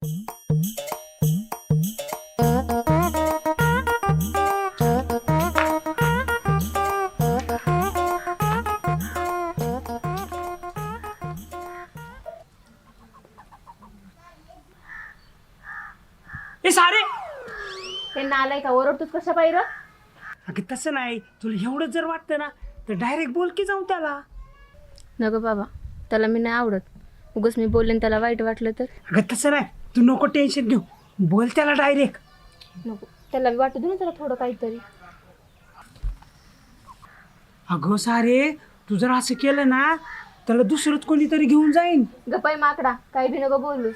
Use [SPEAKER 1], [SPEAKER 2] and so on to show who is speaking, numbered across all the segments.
[SPEAKER 1] ए सारे
[SPEAKER 2] ते नालाय का ओरडतोस कशा पाहिजे?
[SPEAKER 1] अगं तसं नाही, तुला एवढं जर वाटतं ना तर डायरेक्ट बोल की जाऊन त्याला.
[SPEAKER 2] नको बाबा, त्याला मी नाही आवडत. उगाच मी बोलले त्याला वाईट वाटलं तर.
[SPEAKER 1] अगं तसं नाही, तू नको टेन्शन घेऊ, बोल त्याला डायरेक्ट.
[SPEAKER 2] नको, त्याला वाटू दे ना त्याला थोडं काहीतरी.
[SPEAKER 1] अगं सारे, तू जर असं केलं ना त्याला दुसरंच कोणीतरी घेऊन जाईन.
[SPEAKER 2] गपाई माकडा, काही बी नको बोलूस.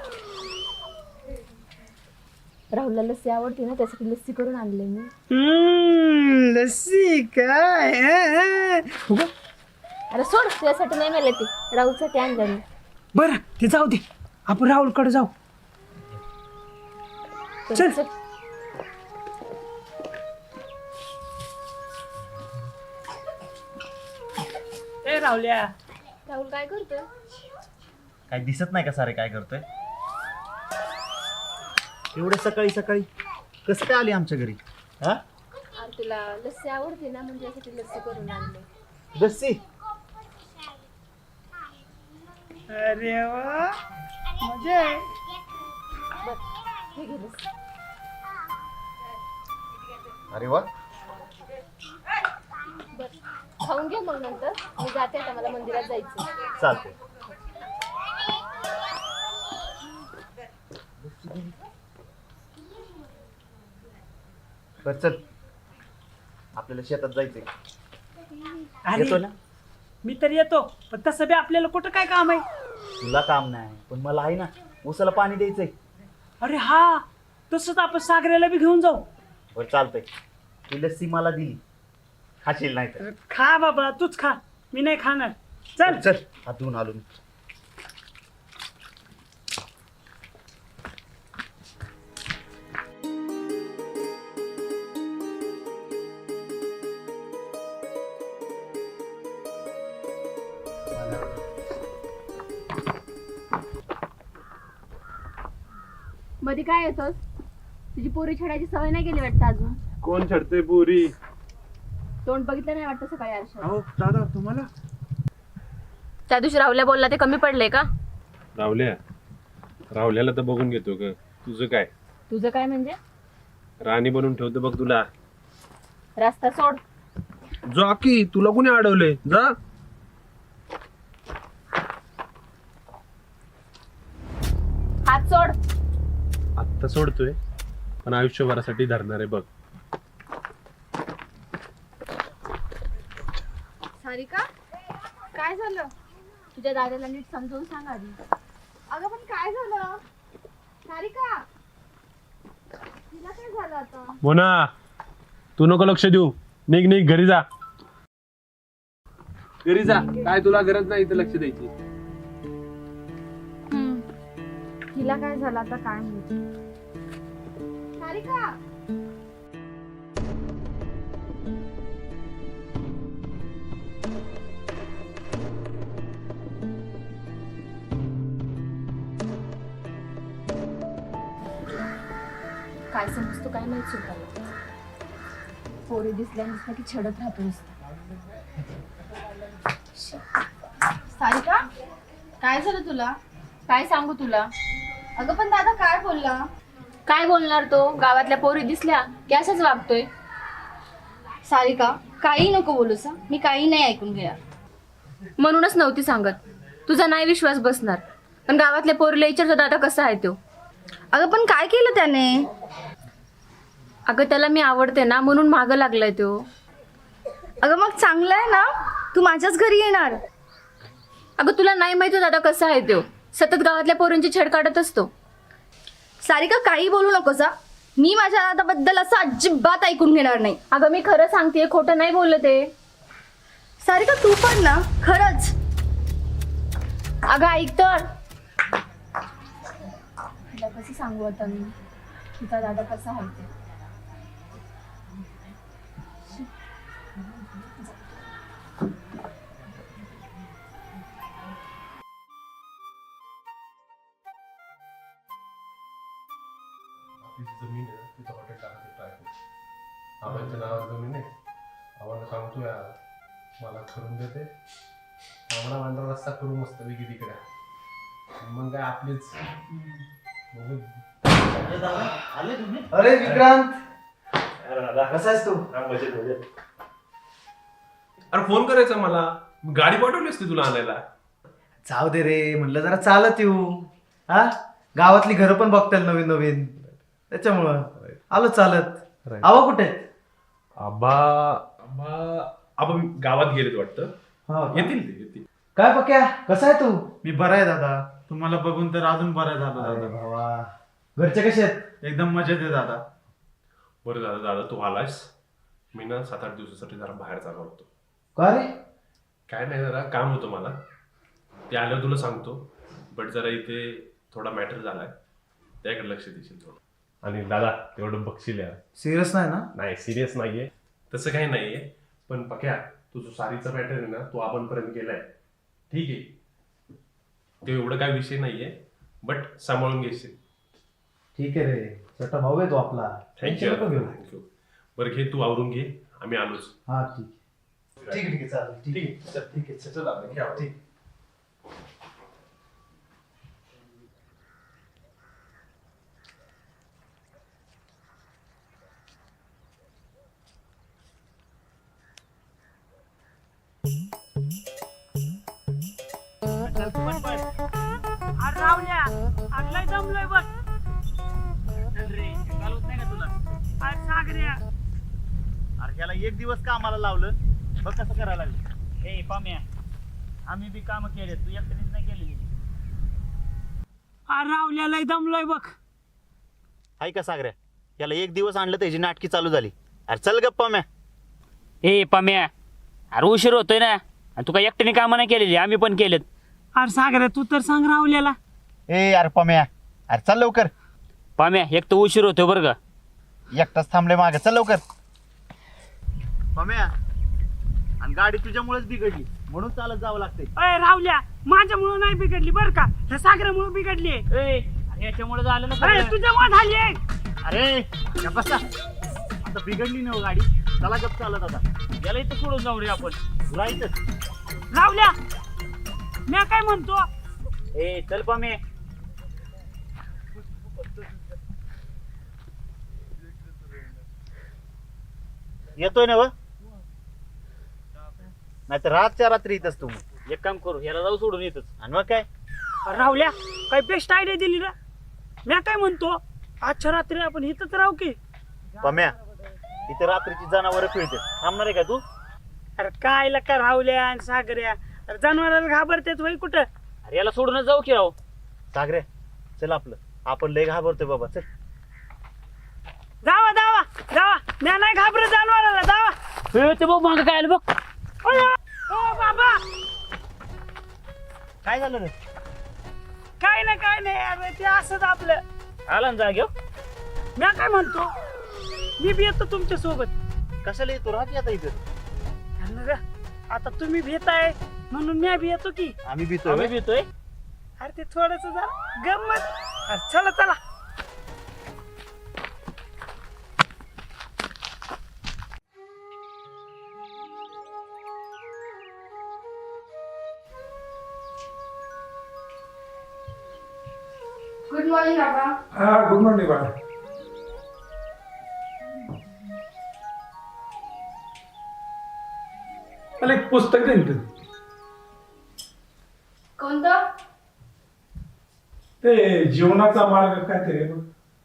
[SPEAKER 2] राहुलला लस्सी आवडते ना, त्यासाठी लस्सी करून आणले मी.
[SPEAKER 1] लस्सी काय?
[SPEAKER 2] अरे सोड, तुझ्यासाठी नाही मिळाले ते, राहुलसाठी आणलं मी.
[SPEAKER 1] बरं ते जाऊ दे, आपण राहुलकडे जाऊ. चल. ए राहुल्या,
[SPEAKER 2] राहुल काय करतोय?
[SPEAKER 3] काय दिसत नाही का सारे काय करतोय? एवढे सकाळी सकाळी कसं काय आली आमच्या घरी? हा,
[SPEAKER 2] अरे तुला लस्सी आवडते ना, म्हणजे यासाठी लस्सी करून आणले.
[SPEAKER 3] लस्सी?
[SPEAKER 1] अरे वा, मजा आहे.
[SPEAKER 2] हे घे लस्सी.
[SPEAKER 3] अरे वा,
[SPEAKER 2] बरं खाऊन घे, मग नंतर मी जाते, आता मला मंदिरात जायचं.
[SPEAKER 3] चालते. बर चल, आपल्याला शेतात जायचंय. येतो
[SPEAKER 1] अरे
[SPEAKER 3] ना?
[SPEAKER 1] मी तर येतो, पण तसं बी आपल्याला कुठं काय काम आहे.
[SPEAKER 3] तुला काम नाही पण मला आहे ना, ऊसाला पाणी द्यायचंय.
[SPEAKER 1] अरे हा, तसंच आपण सागऱ्याला बी घेऊन जाऊ.
[SPEAKER 3] बर चालतंय, ती लस्सी मला दिली, खाशील नाही तर.
[SPEAKER 1] खा बाबा, तूच खा, मी नाही खाणार. चल
[SPEAKER 3] चल, हात धुवून आलो मी.
[SPEAKER 2] मध्ये काय येतोस? तुझी पोरी छेडायची सवय नाही गेली वाटतं अजून.
[SPEAKER 4] कोण छडते पुरी?
[SPEAKER 2] तोंड बघितलं नाही वाटतं सकाळी आरशात.
[SPEAKER 4] अहो दादा, तुम्हाला
[SPEAKER 2] त्या दिवशी राहुल्या बोलला ते कमी पडले का?
[SPEAKER 4] राहुल्याला तर बघून घेतो ग. तुझं काय?
[SPEAKER 2] तुझं काय म्हणजे?
[SPEAKER 4] राणी बनून ठेवतो बघ तुला.
[SPEAKER 2] रस्ता सोड.
[SPEAKER 4] जा की, तुला कोणी अडवले? जा.
[SPEAKER 2] हात सोड.
[SPEAKER 4] आत्ता सोडतोय पण आयुष्यभरासाठी धरणार आहे बघ.
[SPEAKER 2] सारिका, काय झालं? तुझ्या दादाला नीट समजावून सांग आधी. अगं पण काय झालं? सारिका, तिला काय झालं आता?
[SPEAKER 4] मोना, तू नको लक्ष देऊ. निघ निघ, घरी जा. घरी जा, काय तुला गरज नाही इथे लक्ष द्यायची.
[SPEAKER 2] तिला काय झालं आता काय माहिती. सारिका, काय समजतो काय माहित सुद्धा. पोरी दिसल्या की छडत राहतो नुसतं.
[SPEAKER 5] सारिका, काय झालं तुला?
[SPEAKER 2] काय सांगू तुला?
[SPEAKER 5] अगं पण दादा काय बोलला?
[SPEAKER 2] काय बोलणार तो? गावातल्या पोरी दिसल्या की असंच वागतोय.
[SPEAKER 5] सारिका, काही नको बोलूस हं. मी काही नाही ऐकून घेणार.
[SPEAKER 2] म्हणूनच नव्हती सांगत. तुझा नाही विश्वास बसणार. पण गावातल्या पोरीला विचारतो दादा कसा आहे तो.
[SPEAKER 5] अगं पण काय केलं त्याने?
[SPEAKER 2] अगं त्याला मी आवडते ना, म्हणून मागं लागलाय तो.
[SPEAKER 5] अगं मग चांगलं आहे ना, तू माझ्याच घरी येणार.
[SPEAKER 2] अगं तुला नाही माहिती दादा कसा आहे तो. सतत गावातल्या पोरींची छेड काढत असतो.
[SPEAKER 5] सारिका, काही बोलू नकोस हं. मी माझ्या दादाबद्दल असं अजिबात ऐकून घेणार नाही.
[SPEAKER 2] अगं मी खरं सांगते, खोटं नाही बोलत आहे.
[SPEAKER 5] सारिका, तू पण ना, खरंच.
[SPEAKER 2] अगं ऐक तर. तुला कसं सांगू आता मी, तुझा दादा कसा आहे ते.
[SPEAKER 4] आबांच्या नावात जमीन आहे. आम्हाला सांगतो यार, मला करून देते. आम्हाला मांडरा रस्ता करू मस्त पैकी तिकडे. मग काय आपलीच मग
[SPEAKER 3] आले तुम्ही?
[SPEAKER 6] अरे विक्रांत,
[SPEAKER 4] दादा
[SPEAKER 6] कसा आहेस तू?
[SPEAKER 4] मजेत मजेत. अरे फोन करायचा मला, गाडी पाठवली असती तुला आणायला.
[SPEAKER 6] जाऊ दे रे, म्हणलं जरा चालत येऊ. हा, गावातली घरं पण बघताल नवीन नवीन, त्याच्यामुळं आलो चालत.
[SPEAKER 4] Right.
[SPEAKER 6] आवा कुठे आहेत?
[SPEAKER 4] आबा आबा आबा गावात गेलेत वाटतं.
[SPEAKER 6] हा का?
[SPEAKER 4] येतील ते येतील.
[SPEAKER 6] काय पक्या, कसा आहे तू?
[SPEAKER 7] मी बरा आहे दादा. तुम्हाला बघून तर अजून बरं झालं
[SPEAKER 6] अरे
[SPEAKER 7] दादा.
[SPEAKER 6] बाबा, घरचे कसे आहेत?
[SPEAKER 7] एकदम मजेत आहे दादा.
[SPEAKER 4] बरं दादा दादा तू आलास. मी ना 7-8 दिवसासाठी जरा बाहेर जाणार होतो.
[SPEAKER 6] का रे?
[SPEAKER 4] काय नाही, जरा काम होतं मला. ते आल्यावर तुला सांगतो. बट जरा इथे थोडा मॅटर झालाय, त्याकडे लक्ष देशील थोडं. आणि दादा तेवढं बघशील यार.
[SPEAKER 6] सिरियस नाही ना?
[SPEAKER 4] नाही सिरियस नाहीये, तसं काही नाहीये. पण पक्या तुझं सारीचा मॅटर आहे ना, तो आपणपर्यंत गेलाय. ठीक आहे, ते एवढं काय विषय नाहीये, बट सांभाळून घेशील.
[SPEAKER 6] ठीक आहे रे, छोटा भाऊ आहे तो आपला.
[SPEAKER 4] थँक्यू
[SPEAKER 6] नको घेऊ.
[SPEAKER 4] थँक्यू. बरं घे, तू आवरून घे, आम्ही आलोच.
[SPEAKER 6] हा ठीक आहे. ठीक आहे ठीक आहे, चालेल. ठीक आहे.
[SPEAKER 4] आहे चल, ठीक आहे चल आता घे आवरून.
[SPEAKER 6] ठीक.
[SPEAKER 1] अरे रावल्या, अरे लय दमलोय बघ. अरे सागऱ्या,
[SPEAKER 3] अरे ह्याला एक दिवस कामाला लावलं, बघ कसं करायला लागलं.
[SPEAKER 8] हे पाम्या, आम्ही बी काम केले, तू एकट्यानेच नाही केलेली.
[SPEAKER 1] अरे रावल्या लय दमलोय बघ.
[SPEAKER 3] हाय का सागऱ्या, याला एक दिवस आणलं त्याची नाटकी चालू झाली. अरे चल गप्पा म्या.
[SPEAKER 8] हे पाम्या, अरे उशीर होतोय ना, आणि तू काय एकट्याने कामं नाही केलेली, आम्ही पण केलेत.
[SPEAKER 1] अरे सागऱ्या, तू तर सांग रावल्याला.
[SPEAKER 3] ए अरे पम्या, अरे चल लवकर.
[SPEAKER 8] पाम्या, एक तर उशीर होतोय बरं का.
[SPEAKER 3] एकटाच थांबले मागे, चल लवकर. पम्या, आणि गाडी तुझ्यामुळेच बिघडली, म्हणून चालत जावं लागतंय.
[SPEAKER 1] अरे रावल्या, माझ्यामुळं नाही बिघडली बरं का, ह्या सागऱ्यामुळं बिघडली.
[SPEAKER 8] अरे याच्यामुळे झालं ना
[SPEAKER 1] अरे
[SPEAKER 8] सगळं.
[SPEAKER 1] तुझ्यामुळे झाली.
[SPEAKER 3] अरे गप्प बसा. आता बिघडली ना हो गाडी, चला गप चालत आता.
[SPEAKER 8] याला इथं सोडून जाऊ रे आपण.
[SPEAKER 3] तुला इथंच.
[SPEAKER 1] रावल्या, मी काय म्हणतो,
[SPEAKER 8] ए चल पाम्या.
[SPEAKER 3] येतोय ना व? नाही तर रातच्या रात्री इथंच तू.
[SPEAKER 8] एक काम करू, याला जाऊ सोडून येतच.
[SPEAKER 3] आणि मग काय,
[SPEAKER 1] रावल्या काय बेस्ट आयडिया दिली ना. मी काय म्हणतो, आजच्या रात्री आपण इथंच राहू की.
[SPEAKER 3] पम्या, इथे रात्रीची जनावरं फिरते, थांबणार आहे का तू?
[SPEAKER 1] अरे काय का रावल्या आणि सागऱ्या, अरे जनावराला घाबरतेत वय कुठं.
[SPEAKER 8] अरे याला सोडूनच जाऊ की राव.
[SPEAKER 3] सागरे चल, आपलं आपण लय घाबरतोय बाबा, चल.
[SPEAKER 1] जावा जावा जावा, मी नाही घाबरत जनावराला, जावा.
[SPEAKER 8] ए, ते बघ मागं काय आलं बघ.
[SPEAKER 1] अय्या, ओ बाबा,
[SPEAKER 3] काय झालं रे?
[SPEAKER 1] काय नाही अरे ते असंच आपलं.
[SPEAKER 8] आला ना जाग्यो.
[SPEAKER 1] मी काय म्हणतो, मी बी येतो तुमच्या सोबत.
[SPEAKER 3] कशाला येतो, राहते आता इथं.
[SPEAKER 1] अरे रे, आता तुम्ही भेटाय म्हणून मी बी येतो की.
[SPEAKER 3] आम्ही भीतोय
[SPEAKER 8] आम्ही
[SPEAKER 3] बे.
[SPEAKER 8] येतोय.
[SPEAKER 1] अरे ते थोडस जरा गंमत. अरे चला चला.
[SPEAKER 5] गुड मॉर्निंग बाबा.
[SPEAKER 9] हा गुड मॉर्निंग बाळा. मला एक पुस्तक दे ना तू.
[SPEAKER 5] कोणतं?
[SPEAKER 9] ते जीवनाचा मार्ग काहीतरी आहे बघ.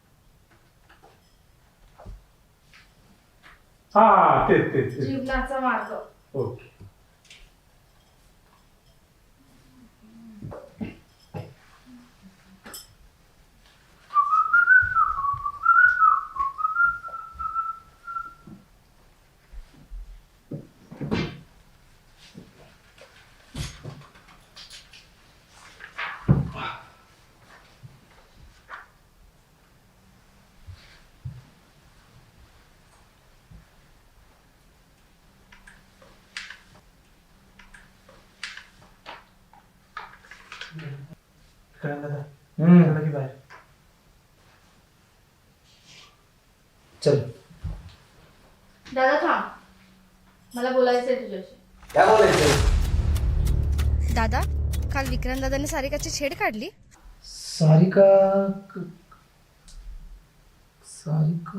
[SPEAKER 9] हा तेच तेच तेच.
[SPEAKER 5] जीवनाचा मार्ग.
[SPEAKER 9] ओके.
[SPEAKER 6] चल.
[SPEAKER 5] जरा थांब, मला बोलायचंय तुझ्याशी.
[SPEAKER 6] काय बोलायचं?
[SPEAKER 5] दादा, काल विक्रांत दादाने सारिकाची छेड काढली.
[SPEAKER 1] सारिका सारिका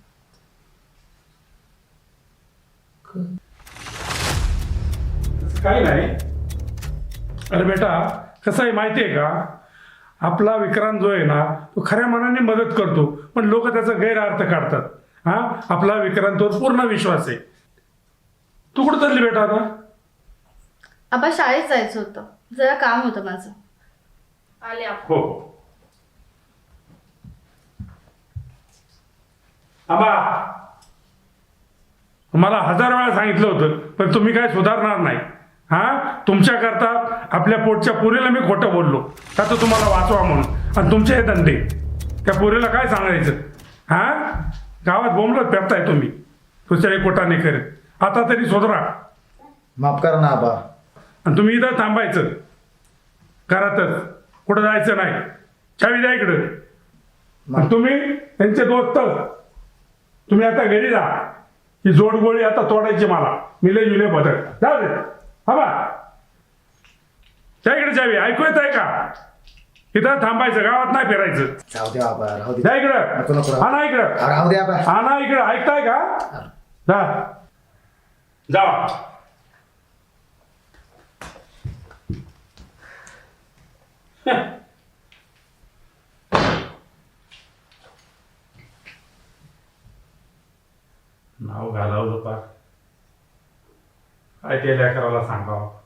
[SPEAKER 9] काही नाही. अरे बेटा, कसं आहे माहिती आहे का, आपला विक्रांत जो आहे ना तो खऱ्या मनाने मदत करतो, पण लोक त्याचा गैरअर्थ काढतात. हा, आपला विक्रांतवर पूर्ण विश्वास आहे. तू कुठं चालली बेटा आता?
[SPEAKER 5] आबा शाळेत जायचं होतं, जरा काम होतं माझं. आले आपण.
[SPEAKER 9] हो. आबा, मला 1000 वेळा सांगितलं होतं, पण तुम्ही काय सुधारणार नाही. हा, तुमच्याकरता आपल्या पोटच्या पोरीला मी खोटं बोललो का तर तुम्हाला वाचवा म्हणून, आणि तुमचे हे धंदे त्या पोरीला काय सांगायचं? हा, गावात बोंबलत पेरताय तुम्ही दुसऱ्या कोटाने करत. आता तरी सुधरा.
[SPEAKER 6] माफ करा ना आबा.
[SPEAKER 9] आणि तुम्ही इथं थांबायचं घरातच, कुठं जायचं नाही. चावी द्या इकडं. आणि तुम्ही त्यांचे दोस्त, तुम्ही आता घरी जा. ही जोडगोळी आता तोडायची मला. मिले जुले बदल जाऊ दे. हा बा, त्या इकडे चावी. ऐकू येत आहे का? इथं थांबायचं, गावात नाही फिरायचं.
[SPEAKER 6] जाऊ दे बाबा, राहू दे.
[SPEAKER 9] जा इकडं.
[SPEAKER 6] नको, नको.
[SPEAKER 9] हा ना इकडं.
[SPEAKER 6] राहू दे आबा.
[SPEAKER 9] हा ना इकडं. ऐकताय का? जा जावा. नाव घालावलं पार. काय ते लेकराला सांगावं.